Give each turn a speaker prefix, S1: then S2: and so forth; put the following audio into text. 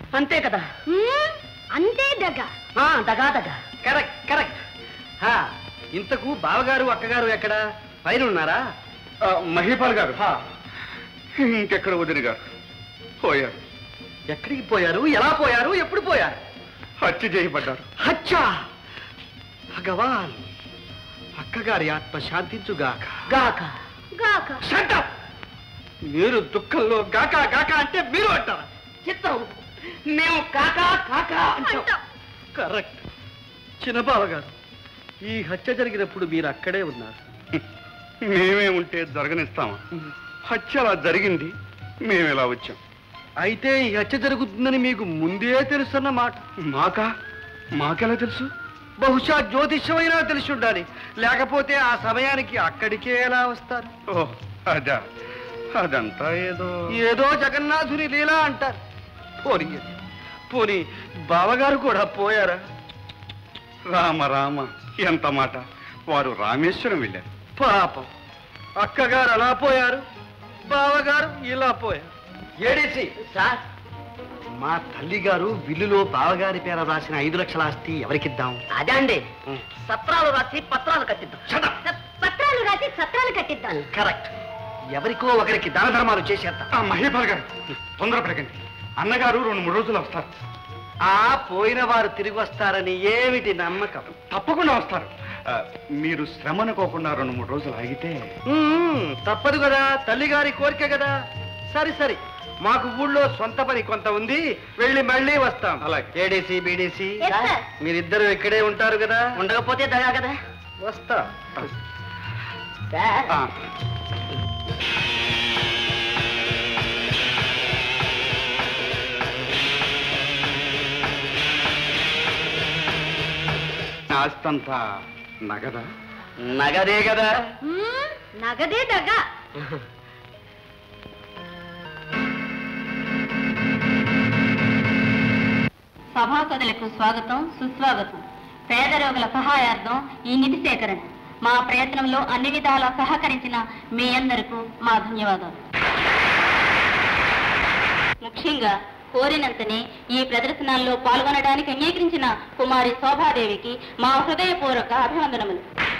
S1: అంతే కదా?
S2: అంతే దగ.
S1: దగా దగా. Correct correct. ఇంతకు బావగారు అక్కగారు ఎక్కడ? పైన ఉన్నారా?
S3: మహీపాల్ గారు ఇంకెక్కడ వదిన గారు పోయారు.
S1: ఎక్కడికి పోయారు? ఎలా పోయారు? ఎప్పుడు పోయారు?
S3: హత్య చేయబడ్డారు.
S1: హత్య! భగవాన్, అక్కగారి ఆత్మ శాంతించుగాక. గాక
S2: గాక.
S1: మీరు దుఃఖంలో గాక గాక అంటే మీరు అంటారా? చిత్తం, మేము కాకా కాకా అంటాం. కరెక్ట్. చిన్నబావ గారు, ఈ హత్య జరిగినప్పుడు మీరు అక్కడే ఉన్నారు.
S3: మేమే ఉంటే జరగనిస్తామా? హత్య అలా జరిగింది, మేము ఇలా వచ్చాం.
S1: అయితే ఈ హత్య జరుగుతుందని మీకు ముందే తెలుసన్నమాట.
S3: మాకెలా తెలుసు?
S1: బహుశా జ్యోతిష్యమైనా తెలిసి ఉండాలి, లేకపోతే ఆ సమయానికి అక్కడికే ఎలా వస్తారు?
S3: ఓ అదా, అదంతా
S1: ఏదో జగన్నాథుని లీలా అంటారు. పోనీ బావగారు కూడా పోయారా?
S3: రామ రామ, ఎంత మాట! వారు రామేశ్వరం వెళ్ళారు.
S1: పాపం, అక్కగారు అలా పోయారు, బావగారు ఇలా పోయారు. ఏడేసి సార్, మా తల్లిగారు బిల్లులో బావగారి పేర రాసిన 5 లక్షల ఆస్తి ఎవరికిద్దాం?
S2: అదే అండి, సత్రాలు రాసి పత్రాలు కట్టిద్దాం. పత్రాలు రాసి సత్రాలు కట్టిద్దాం.
S1: కరెక్ట్. ఎవరికో ఒకరికి దాన ధర్మాలు చేసేద్దాం.
S3: మహేపాల్ గారు, తొందరపడకండి. అన్నగారు 2-3 రోజులు వస్తారు.
S1: పోయిన వారు తిరిగి వస్తారని ఏమిటి నమ్మకం?
S3: తప్పకుండా వస్తారు. మీరు శ్రమ అనుకోకుండా 2-3 రోజులు ఆగితే.
S1: తప్పదు కదా, తల్లిగారి కోరిక కదా. సరి, మాకు ఊళ్ళో సొంత పని కొంత ఉంది, వెళ్ళి మళ్ళీ వస్తాం.
S3: అలాగే.
S1: ఏడీసీ బీడీసీ మీరిద్దరు ఇక్కడే ఉంటారు కదా?
S2: ఉండకపోతే దగా కదా.
S1: వస్తా.
S3: ఆస్తంతా నగదా?
S1: నగదే కదా.
S2: నగదే దగా.
S4: సభాసదులకు స్వాగతం, సుస్వాగతం. పేద రోగుల సహాయార్థం ఈ నిధి సేకరణ. మా ప్రయత్నంలో అన్ని విధాలా సహకరించిన మీ అందరికీ మా ధన్యవాదాలు. ముఖ్యంగా కోరినంతనే ఈ ప్రదర్శనల్లో పాల్గొనడానికి అంగీకరించిన కుమారి శోభాదేవికి మా హృదయపూర్వక అభివందనములు.